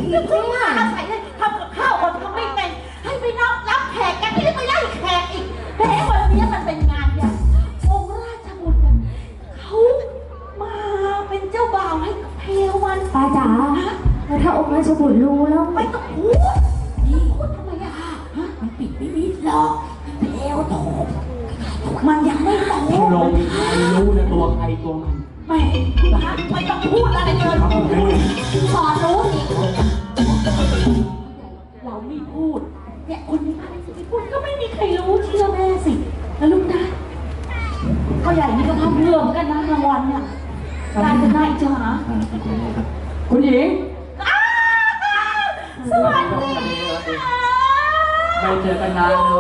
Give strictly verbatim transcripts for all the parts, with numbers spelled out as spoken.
พูดว่าอาศัยเลยทำกับข้าวคนทำไม่เป็นให้ไปนับรับแขกกันที่ไปไล่แขกอีกแต่วันนี้มันเป็นงานใหญ่องค์ราชบุตรเขามาเป็นเจ้าบ่าวให้กับเพลวันป้าจ๋าแล้วถ้าองค์ราชบุตรรู้แล้วไม่ต้องพูดนี่พูดทำไมอะฮะมันปิดไม่มิดหรอกเพลวโถมันยังไม่โตลงใครรู้นะตัวใครตัวมันไม่ไม่ต้องพูดอะไรเลยสอนรู้นี่เราไม่พูดเนี่ยคนนี้อะไรสิไม่พูดก็ไม่มีใครรู้เชื่อแม่สิแล้วลูกนะเขาใหญ่นี่ก็ทำเรื่องกันนะรางวัลเนี่ยได้จะได้จ้าคุณหญิงสวัสดีค่ะไม่เจอกันนานเลย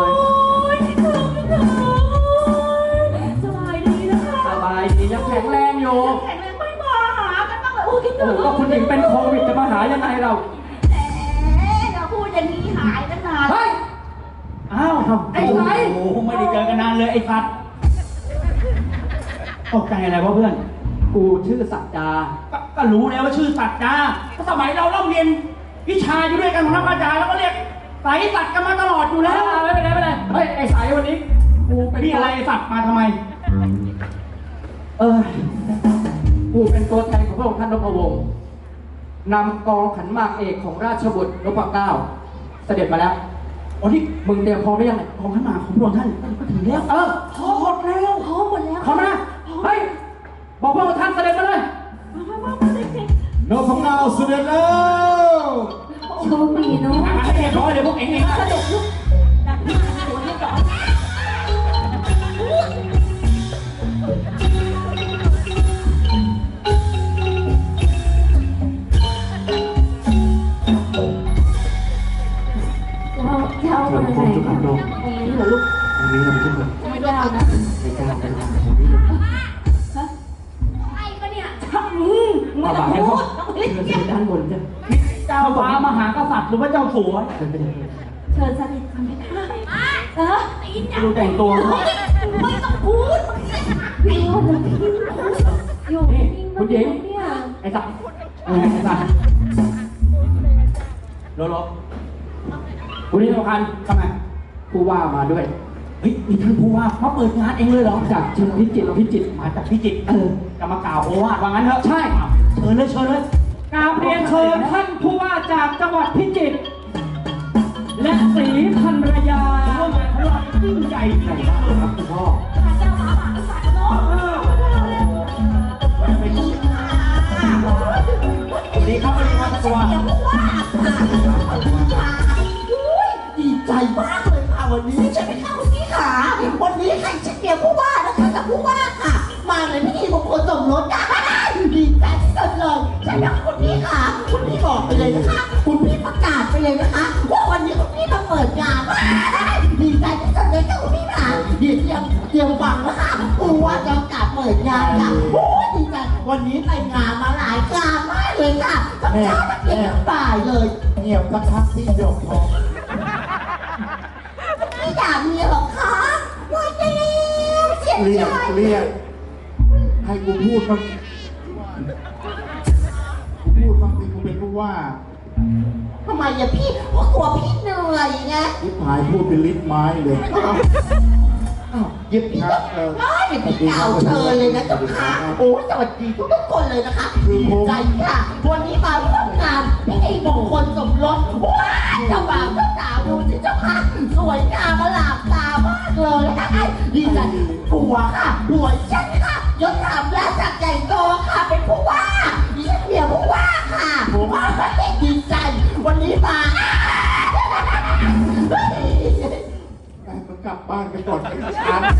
สบายดีนะคะสบายดียังแข็งแรงอยู่แข็งแรงไม่มาหากันบ้างเลยโอ้คิดถึโอ้งก็คุณหญิงเป็นโควิดจะมาหายังไงเราแหมอย่าพูดอย่างนี้หายตั้งนานเฮ้ย อ้าวไอ้ไรโอ้โหไม่ได้เจอกันนานเลยไอ้สัตว์ตกใจอะไรวะเพื่อนกูชื่อสัจจาก็ก็รู้แล้วว่าชื่อสัตว์จ้าก็สมัยเราเล่าเรียนวิชาอยู่ด้วยกันของนักอาจารย์แล้วก็เรียกสายสัตว์กันมาตลอดอยู่แล้แล้ว วไม่เป็นไรไม่เป็นไรเฮ้ยไอ้สายวันนี้กูเป็นนี่อะไรสัตว์มาทำไมเออกูเป็นตัวแทนของพระองค์ท่านนพวงศ์นำกองขันหมากเอกของราชบุตรนพเก้าเสด็จมาแล้วโอ้ที่มึงเตรียมพร้อมหรือยังเนี่ยกองขันหมากของพระองค์ท่านก็ถึงแล้วเออพอหมดแล้วพร้อมหมดแล้วเข้ามาเฮ้ยบอกพระองค์ท่านเสด็จมาเลยมามามาเลยสินพเก้าเสด็จแล้วโชคดีเนาะอ่ะให้เรียบร้อยเลยพวกเองเองเสด็จลูกดักหน้าหัวเรียบร้อยเราจะเอามาไหนเนี่ยตรงนี้เหรอลูกตรงนี้เราไม่ใช่คนไม่ได้เอานะไม่กล้าไปทางตรงนี้เลยฮะใช่ปะเนี่ยใช่ไม่ต้องพูดต้องรีบเชิญเก็บด้านบนจ้ะเจ้าฟ้ามหากษัตริย์หรือว่าเจ้าสัวเชิญไปเลยเชิญสนิทกันไปค่ะเออดูแต่งตัวไม่ต้องพูดพี่ว่าจะพี่อยู่นิ่งๆนะเนี่ยไอ้สัตว์เออไอ้สัตว์โลโลคุณนี่สำคัญทำไมผู้ว่ามาด้วยเฮ้ยมีท่านผู้ว่ามาเปิดงานเองเลยเหรอจากเชิญพิจิตรพิจิตรมาจากพิจิตรเออจะมากล่าวโอวาทว่างั้นเถอะใช่เชิญเลยเชิญเลยกราบเรียนเชิญท่านผู้ว่าจากจังหวัดพิจิตรและศรีภรรยาร่วมงานของเรายิ่งใหญ่จริงๆเลยครับคุณพ่อเจ้าหมาหมาสัตว์เนาะสวัสดีครับสวัสดีครับตัวดีใจมากเลยค่ะวันนี้ใช่ไหมคะคุณพี่ขาวันนี้ใครจะเกี่ยวผู้ว่านะคะกับผู้ว่าค่ะ มาเลยพิธีมงคลสมรสกันดีใจที่สุดเลยใช่ไหมคุณพี่ขาคุณพี่บอกไปเลยนะคะ คุณพี่ประกาศไปเลยนะคะว่าวันนี้คุณพี่มาเปิดงานดีใจที่สุดเลยค่ะคุณพี่ขาเดี๋ยวเตรียมเตรียมฟังนะคะผู้ว่าจะประกาศเปิดงานค่ะโอ้ยดีใจวันนี้ไปงานมาหลายงานมากเลยค่ะทั้งเช้าทั้งเย็นทั้งบ่ายเลยเงียบสักพักที่หยกทองไม่อยากมีหรอกคะว่าจะเลี้ยวเสียเรียใจกเรียกให้กูพูดบ้างกูพูดบ้างสิกูเป็นผู้ว่าทำไมอะพี่เพราะกลัวพี่เหนื่อยไงทิพายพูดเป็นลิ้นไม้เลยอ้าวเดี๋ยวพี่ครัก็บเออได้เดี๋ยวพี่เก่าเชิญเลยนะเจ้าค่ะโอ้ยสวัสดีทุกๆคนเลยนะคะดีใจค่ะ วันนี้มาร่วมงานพิธีมงคลสมรสว้ายเจ้าบ่าวเจ้าสาวดูสิเจ้าค่ะสวยงามมาหลากตามากเลยดีใจผัวค่ะผัวฉันค่ะยศถาบรราชใหญ่โตค่ะเป็นผู้ว่าดิฉันเมียผู้ว่าค่ะผู้ว่าดีใจวันนี้มาไปมึงกลับบ้านกันก่อนไอ้ช้าง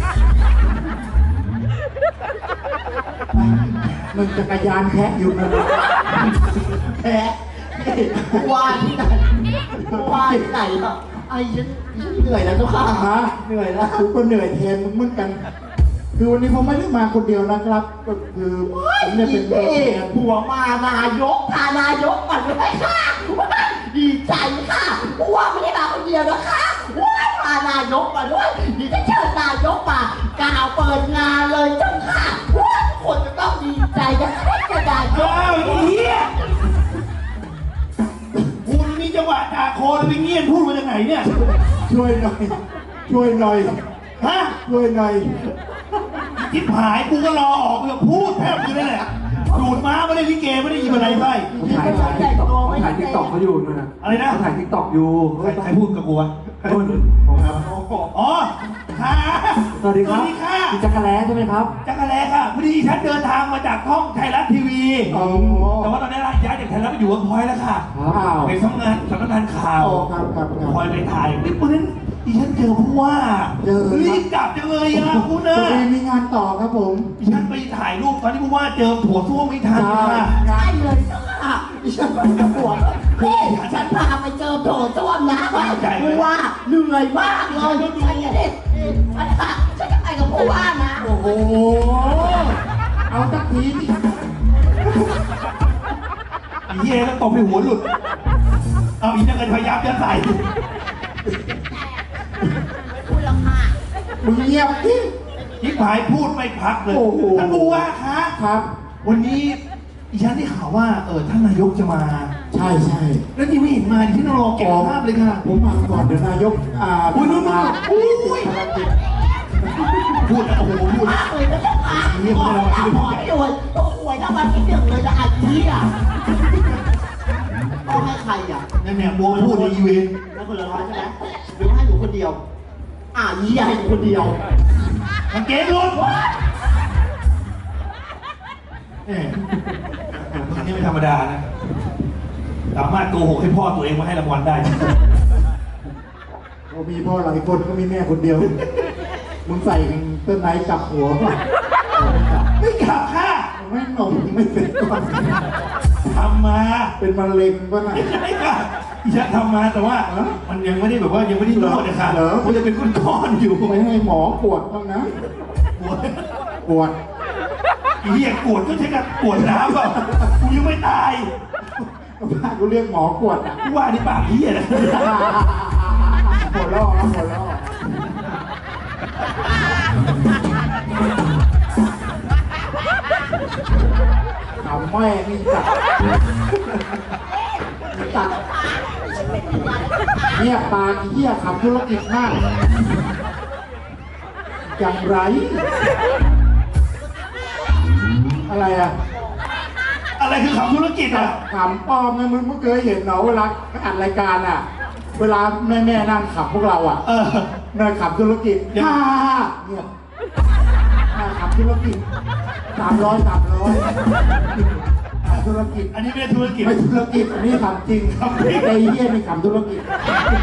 มึงจักรยานแคะอยู่นะแคะว่าที่ไหนว่าที่ไหนอ่ะไอ้ฉันฉันเหนื่อยแล้วเจ้าค่ะฮะเหนื่อยแล้วกูก็เหนื่อยแทนมึงเหมือนกัน คือวันนี้ผมไม่ได้มาคนเดียวนะครับ ก็คือผมเนี่ยเป็นตัวแทนผัวมานายกพานายกก่อนเลยค่ะดีใจค่ะผัวไม่ได้มาคนเดียวนะคะพานายกมาด้วยดีจะเชิญนายกมากล่าวเปิดงานเลยเจ้าค่ะทุกคนจะต้องดีใจจะให้กระดาษยกเฮียกกาโคแล้วไปเงียบพูดมาจากไหนเนี่ยช่วยหน่อย ช่วยหน่อยฮะช่วยหน่อยทิพหายกูก็รอออกเพื่อพูดแทบอยู่นั่นแหละดูดม้าไม่ได้ลิเกไม่ได้ยินอะไรไปถ่ายถ่ายเขาถ่ายทิกตอกเขาอยู่นู่นนะอะไรนะเขาถ่ายทิกตอกอยู่ใครใครพูดกับกูวะนู่นผมครับอ๋อค่ะสวัสดีครับสวัสดีค่ะคุณจักรแล้ใช่ไหมครับจักรแลค่ะพอดีฉันเดินทางมาจากห้องไทยรัฐทีวีอ๋อแต่ว่าตอนนี้ย้ายจากไทยรัฐไปอยู่เวิร์กพอยต์แล้วค่ะครับไปสำนักงานสำนักงานข่าวอ๋อครับครับครับคอยไปถ่ายนี่วันนั้นดิฉันเจอผู้ว่าเจอครับรีบกลับจังเลยอ่ะคุณพนะอดีมีงานต่อครับผมดิฉันไปถ่ายรูปตอนที่ผู้ว่าเจอถั่วส้วมไม่ทันค่ะใช่เลยเจ้าค่ะดิฉันไปกับปวดพี่ฉันพาไปเจอโถส้วมนะผู้ว่าเหนื่อยมากเลยฉันจะได้ฉันค่ะฉันจะไปกับผู้ว่านะโอ้โห เอาสักทีดิไอ้เหี้ยแล้วตบไปหัวหลุด เอาอีกนักเรียนพยายามจะใส่ไม่พูดหรอกค่ะมึงเงียบดิทิพหายพูดไม่พักเลยโอ้โหท่านผู้ว่าคะครับวันนี้ดิฉันได้ข่าวว่าเออท่านนายกจะมาใช่ใช่แล้วที่ไม่เห็นมาดิฉันรอเก็บภาพเลยค่ะผมมาก่อนเดี๋ยวนายก อ่าอุ้ยนู่นนู่นอุ้ยพูดแล้วโอ้โหพูดมากเลยนะเจ้าค่ะขอขอให้รวยต้องอวยรางวัลที่หนึ่งเลยนะอาชีพอ่ะต้องให้ใครอ่ะนั่นเนี่ยบัวพูดในอีเวนต์แล้วคนละร้อยใช่ไหมหรือให้หนูคนเดียว อ่ายี่ให้หนูคนเดียวกางเกงหลุดเอ๊ะอันนี้ไม่ธรรมดานะ สามารถโกหกให้พ่อตัวเองมาให้รางวัลได้โอ้มีพ่อหลายคนก็มีแม่คนเดียว มึงใส่ต้นไม้กลับหัวป่ะไม่กลับค่ะไม่หนมไม่เป็นก่อนทำมาเป็นมะเร็งป่ะน่ะไม่กลับจะทำมาแต่ว่า มันยังไม่ได้แบบว่ายังไม่ได้นวดนะคะเหรอมันจะเป็นก้อนๆอยู่ไม่ให้หมอปวดบ้างนะปวดปวดไอ้เหี้ยปวดก็ใช้กับปวดน้ำเปล่ากูยังไม่ตายบ้านกูเรียกหมอปวดอ่ะกูว่านี่ปากเหี้ยนะหัวล่อครับหัวล่อทำแม่นี่จัดจัดเนี่ยปากเหี้ยขับธุรกิจมากอย่างไร อะไรอ่ะอะไรคือขับธุรกิจอ่ะขำป้อมไงมึงไม่เคยเห็นเหรอเวลาอัดรายการอ่ะ เวลาแม่แม่ๆนั่งขับพวกเราอ่ะเออนั่งขับธุรกิจเดี๋ยวฮ่าเงียบนั่งขับธุรกิจสามร้อยสามร้อยธุรกิจอันนี้ไม่ได้ธุรกิจไม่ธุรกิจอันนี้ทำจริงทำจริงไอ้เหี้ยไม่ทำธุรกิจ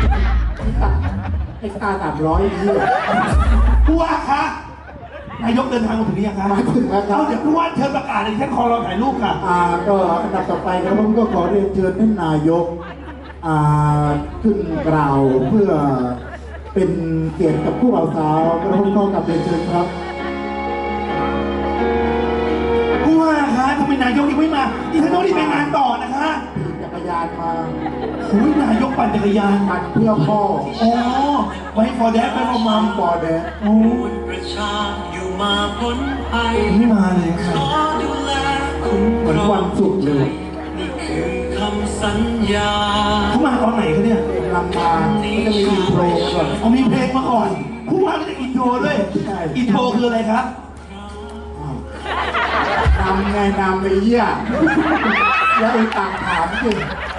ไอ้ตาสามร้อยไอ้เหี้ยผู้ว่าคะนายกเดินทางมาถึงหรือยังคะมาถึงแล้วครับเอาเดี๋ยวผู้ว่าเชิญประกาศเลยฉันขอรอถ่ายรูปค่ะอ่าก็อันดับต่อไปครับผมก็ขอเรียนเชิญท่านนายกอ่าขึ้นกล่าวเพื่อเป็นเกียรติกับผู้บ่าวสาวกระผมขอกลับเรียนเชิญครับผู้ว่าคะทำไมนายกยังไม่มาดิฉันต้องรีบไปงานต่อนะคะขี่จักรยานมาโอ้ยนายกปั่นจักรยานปั่นเพื่อพ่ออ๋อไว้ฟอร์แดดไปฟอร์มัมบอแดดโอ้ประชาอยู่มาพ้นภัยไม่มาเลยขค่ะอดูแลคุ้มเหมือนวันศุกร์เลยนี่คือคำสัญญาเขามาตอนไหนคะเนี่ยลำมาก็จะมีอินโทรก่อนเอามีเพลงมาก่อนผู้ว่าก็จะอินโทรด้วยใช่อินโทรคืออะไรครับนำไงนำไอ้เหี้ยแล้วไอ้ต่างถามสิ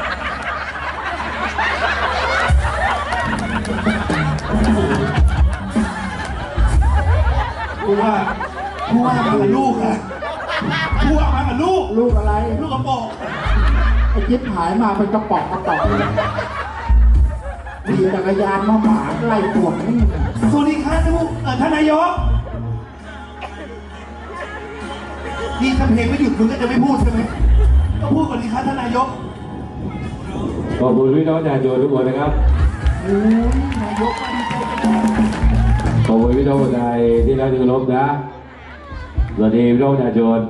ผู้ว่าผู้ว่ามากับลูกค่ะผู้ว่ามากับลูกลูกอะไรลูกกระโปรงไอ้จิ๊บหายมาเป็นกระป๋องกระป๋องเลยขี่จักรยานมาหมาไล่ปวดนี่สวัสดีค่ะท่านผู้เอ่อท่านนายกนี่ถ้าเพลงไม่หยุดมึงก็จะไม่พูดใช่ไหมก็พูดก่อนดีครับท่านนายกขอบคุณพี่น้องประชาชนทุกคนนะครับโอ้ยนายกมาดีใจจังขอบคุณพี่น้องคนไทยที่รักที่เคารพนะสวัสดีพี่น้องประชาชน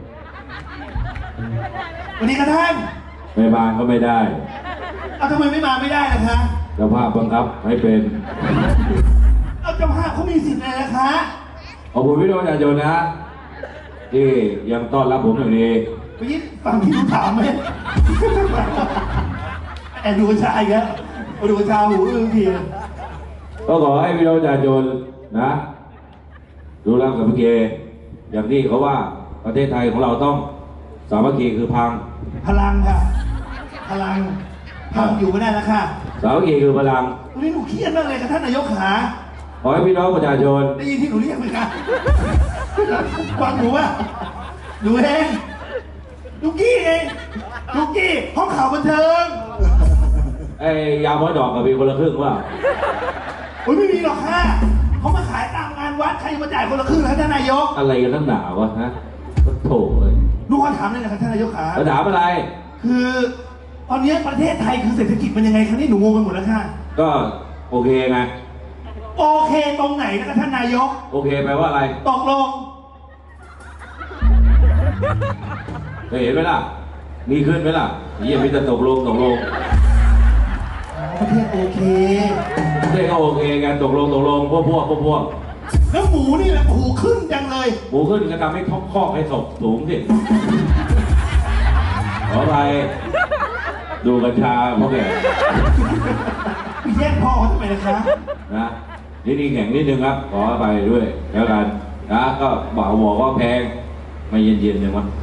สวัสดีครับท่านไม่มาก็ไม่ได้เอาทำไมไม่มาไม่ได้ล่ะคะเจ้าภาพบังคับให้เป็นเอาเจ้าภาพเขามีสิทธิ์เลยนะคะขอบคุณพี่น้องประชาชนนะ ที่ยังต้อนรับผมอย่างดีไปยินฟังที่ผมถามไหมแอบดูกัญชาอีกแล้วมาดูกัญชาหูอึ้งทีก็ขอให้พี่น้องประชาชนนะดูแลกับพี่เกอย่างที่เขาว่าประเทศไทยของเราต้องสามัคคีคือพังพลังค่ะ พลังพังอยู่ไม่ได้แล้วค่ะสามัคคีคือพลังวันนี้หนูเครียดมากเลยกับท่านนายกขาขอให้พี่น้องประชาชนได้ยินที่หนูเรียกไหมคะฟังหนูว่าหนูเองลูกกี้เองลูกกี้ห้องข่าวบันเทิงไอ้ยาหมอดอกกับพี่คนละครึ่งว่าโอ้ยไม่มีหรอกค่ะเขามาขายตามงานวัดใครมาจ่ายคนละครึ่งแล้วท่านนายกอะไรกันตั้งหนาวะฮะก็โถเลยลูกขอถามเลยนะครับท่านนายกขาแล้วถามอะไรคือตอนนี้ประเทศไทยคือเศรษฐกิจมันยังไงคะนี่หนูงงไปหมดแล้วค่ะก็โอเคไงโอเคตรงไหนนะครับท่านนายกโอเคแปลว่าอะไรตกลงเคยเห็นไหมล่ะมีขึ้นไหมล่ะเยี่ยมมีแต่ตกลงตกลงประเทศโอเคเรียกก็โอเคกันตกลงตกลงพวกพวกพวกพวกแล้วหมูนี่แหละหูขึ้นจังเลยหมูขึ้นก็ทำให้ท้องคอกให้ศพสูงสิขอไปดูกัญชาพวกแกไปแย่งพ่อเขาทำไมนะคะนะนี่นี่แข่งนิดนึงครับ ขอไปด้วยแล้วกันนะก็บอกบอกว่าแพงไม่เย็นเย็นๆหนึ่งวะ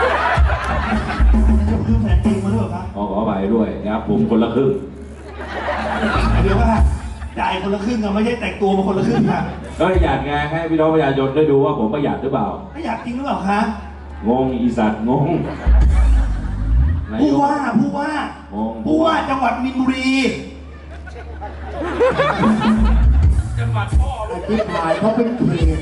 จะคือแผนจริงมาด้วยเหรอคะขอขอไปด้วยนะครับผมคนละครึ่งเดี๋ยวว่าจ่ายคนละครึ่งอะไม่ใช่แต่งตัวมาคนละครึ่งค่ะก็อยากไงให้พี่น้องประชาชนได้ดูว่าผมประหยัดหรือเปล่าไม่อยากจริงหรือเปล่าคะงงอีสัตว์งงนายผู้กว่าผู้ว่างงผู้ว่าจังหวัดมินบุรีจังหวัดพ่ออธิบายเขาเป็นเขต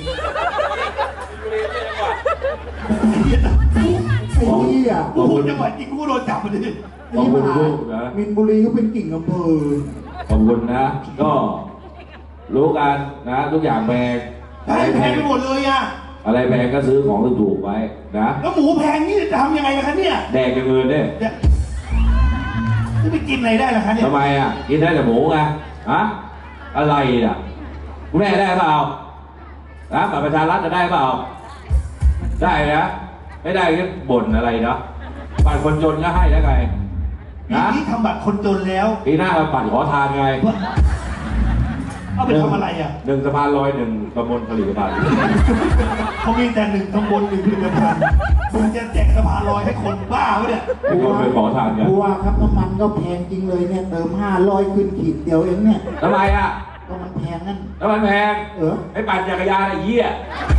ไอ้เหี้ยไอ้เหี้ยกูพูดจังหวัดจริงกูโดนจับมาดิขอบคุณลูกนะมินบุรีก็เป็นกิ่งอำเภอขอบคุณนะ ก็รู้กันนะทุกอย่างแพงแพงแพงไปหมดเลยอะอะไรแพงก็ซื้อของถูกๆไว้นะแล้วหมูแพงนี่จะทำยังไงกันคะเนี่ยแดกอย่างอื่นเนี่ยจะจะไปกินอะไรได้ล่ะคะเนี่ยทำไมอ่ะกินได้แต่หมูไงฮะอะไรอ่ะคุณแม่ได้เปล่านะบัตรประชารัฐจะได้เปล่า ได้นะไม่ได้ก็บ่นอะไรเนาะบัตรคนจนก็ให้แล้วไงปีนะนี้ทำบัตรคนจนแล้วปีหน้าเราบัตรขอทานไงเอาไปทำอะไรอ่ะหนึ่งสะพานลอยหนึ่งตำบลผลิตภัณฑ์เขามีแต่หนึ่งตำบลหนึ่งผลิตภัณฑ์มึงจะแจกสะพานลอยให้คนบ้าวะเนี่ยให้คนไปขอทานกันผู้ว่าครับน้ำมันก็แพงจริงเลยเนี่ยเติมห้าร้อยขึ้นขีดเดียวเองเนี่ยทำไมอ่ะก็มันแพงนั่นแล้วมันแพงเออไอ้ปั่นจักรยานไอ้เหี้ย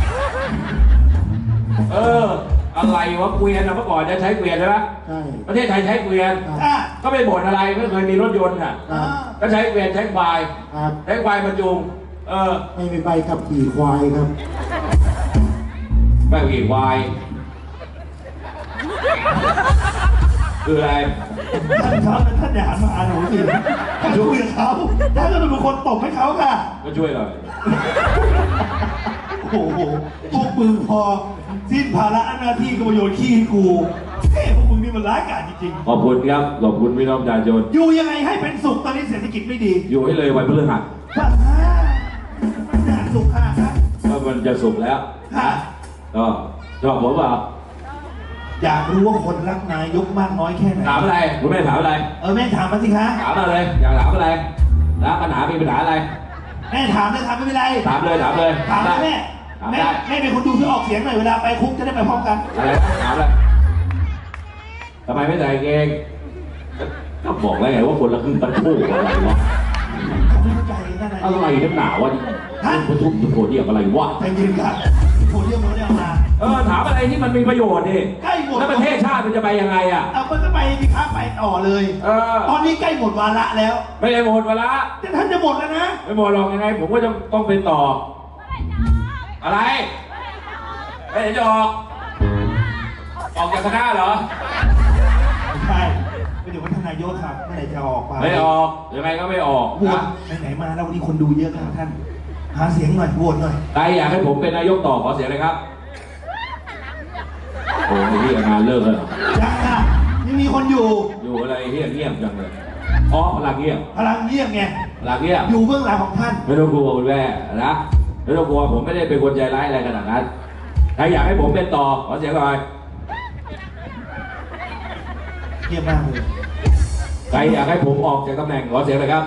เออ อะไรวะเกวียนอะเมื่อก่อนจะใช้เกวียนใช่ไหมใช่ประเทศไทยใช้เกวียนอ่ะก็ไม่บ่นอะไรไม่เคยมีรถยนต์อ่ะครับก็ใช้เกวียนใช้ควายครับใช้ควายมาจูงเออไม่มีใบขับขี่ควายครับไม่ขี่ควายคืออะไรท่านครับท่านอย่าหันมาหาหนูสิท่านคุยกับเขาท่านก็เป็นคนตบให้เขาค่ะก็ช่วยหน่อยโอ้โหพวกมึงพอสิ้นภาระหน้าที่ก็มาโยนขี้ให้กูเฮ้ยพวกมึงนี่มันร้ายกาจจริงขอบคุณครับขอบคุณพี่น้องประชาชนๆอยู่ยังไงให้เป็นสุขตอนนี้เศรษฐกิจไม่ดีอยู่ให้เลยวันพฤหัสบ้าหนาสุขค่ะครับก็มันจะสุกร์แล้วค่ะก็ชอบผมเปล่าอยากรู้ว่าคนรักนายกมากน้อยแค่ไหนถามอะไรคุณแม่ถามอะไรเออแม่ถามมาสิคะถามมาเลยอยากถามอะไรนะปัญหามีปัญหาอะไรแม่ถามเลยถามไม่เป็นไรถามเลยถามเลยถามเลยแม่ถามแม่ได้แม่เป็นคนดูที่ออกเสียงหน่อยเวลาไปคุกจะได้ไปพร้อมกันอะไรนะถามเลยทำไมไม่ใส่กางเกงก็บอกแล้วไงว่าคนละครึ่งตะคู่อะไรวะเขาไม่เข้าใจนั่นอะไรนักหนาวะนี่ทุบทุบโผล่เดียกอะไรวะใจเย็นครับโพเดียมเราได้เอามาเออถามอะไรที่มันมีประโยชน์ดิใกล้หมดแล้วประเทศชาติมันจะไปยังไงอ่ะเอามันก็ไปสิครับไปต่อเลยเออตอนนี้ใกล้หมดวาระแล้วไม่ได้หมดเวลาแต่ท่านจะหมดแล้วนะไม่หมดหรอกยังไง ผมก็จะต้องเป็นต่อ อะไรไม่เห็นจะออก ออกจากคณะเหรอไม่ใช่ไปถึงวัฒนายกครับเมื่อไหร่จะออกไปไม่ออกยังไงก็ไม่ออกโหวตนะไหนๆมาแล้ววันนี้คนดูเยอะครับท่าน หาเสียงหน่อยโหวตหน่อยใครอยากให้ผมเป็นนายกต่อขอเสียงเลยครับ โอ้ยที่งานเลิกแล้วเหรอยังค่ะยังมีคนอยู่อยู่อะไรเงียบเงียบจังเลยอ๋อพลังเงียบพลังเงียบไงพลังเงียบอยู่เบื้องหลังของท่านไม่ต้องกลัวคุณแม่นะไม่ต้องกลัวผมไม่ได้เป็นคนใจร้ายอะไรขนาดนั้นใครอยากให้ผมเป็นต่อขอเสียงหน่อยเงียบมากเลยใครรอยากให้ผมออกจากตำแหน่งขอเสียงเลยครับ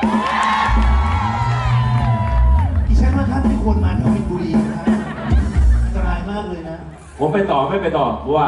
ดิฉันว่าท่านไม่ควรมาแถวมินบุรีนะครับอันตรายมากเลยนะผมไปต่อไม่ไปต่อเพราะว่า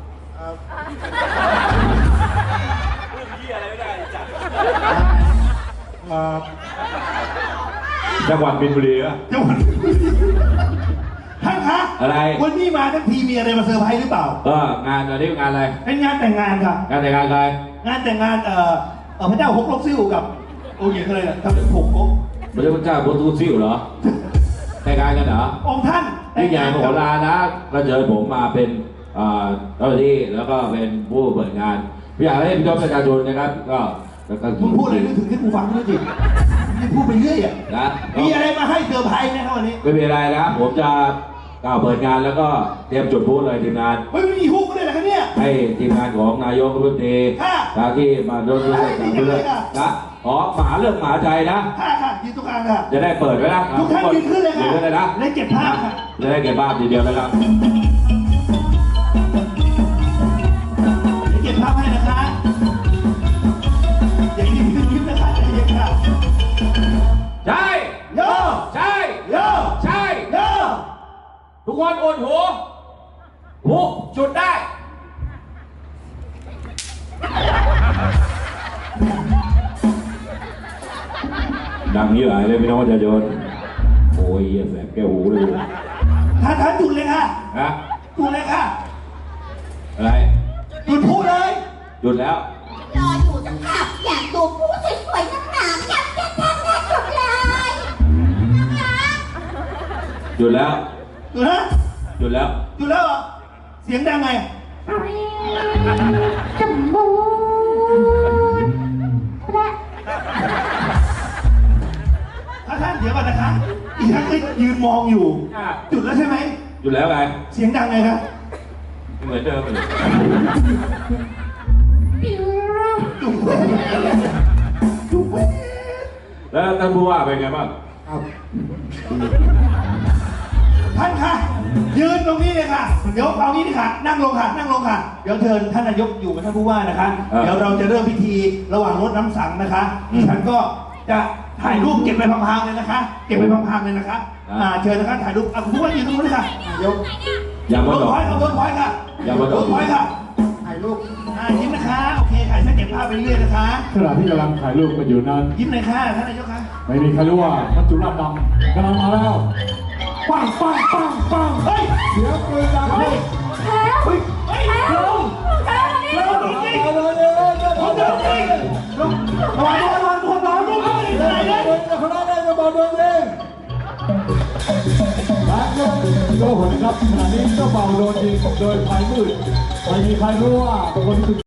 เอ่อจังหวัดบินบุรีอะจังหวัดท่านคะอะไรวันนี้มาทั้งทีมีอะไรมาเซอร์ไพรส์หรือเปล่าก็งานตอนนี้งานอะไรเป็นงานแต่งงานค่ะงานแต่งงานใครงานแต่งงานเอ่อเอ่อพระเจ้าฮกลกซิ่วกับองค์หญิงอะไรน่ะทำเป็นผงก๊กพระเจ้าพระเจ้าพุทธซิ่วเหรอแต่งงานกันเหรอองค์ท่านแต่ยิ่งใหญ่งานมโหฬารนะก็เชิญผมมาเป็นอ่าเจ้าหน้าที่แล้วก็เป็นผู้เปิดงานพี่อยากให้พี่น้องประชาชนนะครับก็แล้วก็มึงพูดอะไรนึกถึงที่กูฟังด้วยสินี่พูดไปเรื่อยอ่ะนะมีอะไรมาให้เซอร์ไพรส์ไหมครับวันนี้ไม่มีอะไรนะครับผมจะกล่าวเปิดงานแล้วก็เตรียมจุดพลุเลยทีมงานเฮ้ยมันมีฮุกด้วยเหรอครับเนี่ยให้ทีมงานของนายกรัฐมนตรีค่ะทางที่มาร่วมด้วยกันเพื่อนนะขอหมาเรื่องหมาใจนะค่ะค่ะยืนตรงกลางค่ะจะได้เปิดไว้นะทุกท่านยืนขึ้นเลยค่ะยืนขึ้นเลยนะและเก็บภาพค่ะจะได้เก็บภาพทีเดียวนะครับเดี๋ยวเก็บภาพให้นะคะอย่ายิ้มยิ้มนะคะอย่ายิ้มค่ะใช่โย่ใช่โย่ใช่โย่ทุกคนโอนหูหูจุดได้ ดังนี้หลายเลยพี่น้องประชาชนโอ้ยเหี้ยแสบแก้วหูเลยท่านท่านจุดเลยค่ะนะจุดเลยค่ะอะไรจุดพูดเลยหยุดแล้วรออยู่จังค่ะอยากดูผู้สวยๆนักหนาแซ่บแซ่บแซ่บแซ่บสุดเลยนะคะหยุดแล้วจุดนะหยุดแล้วจุดแล้วเหรอเสียงดังไงสมบูรณ์และถ้าท่านเดี๋ยวก่อนนะคะอีกท่านก็ยืนมองอยู่อ่ะจุดแล้วใช่ไหมหยุดแล้วไงเสียงดังไงครับเหมือนเดิมเลยจุดจุดแล้วท่านผู้ว่าเป็นไงบ้างท่านคะยืนตรงนี้เลยค่ะ เดี๋ยวเอางี้ดีค่ะ นั่งลงค่ะ นั่งลงค่ะ เดี๋ยวเชิญท่านนายกอยู่กับท่านผู้ว่านะคะ เดี๋ยวเราจะเริ่มพิธีระหว่างรดน้ำสังนะคะดิฉันก็จะถ่ายรูปเก็บไปพังๆเลยนะคะ เก็บไปพังๆเลยนะคะ อ่า เชิญนะคะถ่ายรูปอ่ะคุณผู้ว่ายืนตรงนู้นเลยค่ะนายกอย่าเวิมาร์กดอกพอยต์ค่ะเวิร์กพอยต์ค่ะอย่ามาดเวิอกร์กพอยต์ค่ะ ถ่ายรูป อ่า ยิ้มนะคะ โอเคค่ะฉันเก็บภาพไปเรื่อยนะคะขณะที่กำลังถ่ายรูปกันอยู่นั้นยิ้มเลยค่ะ ท่านนายกค่ะไม่มีใครรู้ว่ามัจจุราชดำกำลังมาแล้วปังปังปังปังเฮ้ยเสียงปืนดังขึ้นแล้วเฮ้ย เฮ้ยลงแล้วนี่ลงจริงลงจริงลงจริงลงระวังระวังระวังระวังระวังอะไรเนี่ยคณะได้มาบอกตัวเองและก็โดนผลครับขณะนี้เจ้าเบาโดนยิงโดยไฟมืดไม่มีใครรู้ว่าคนที่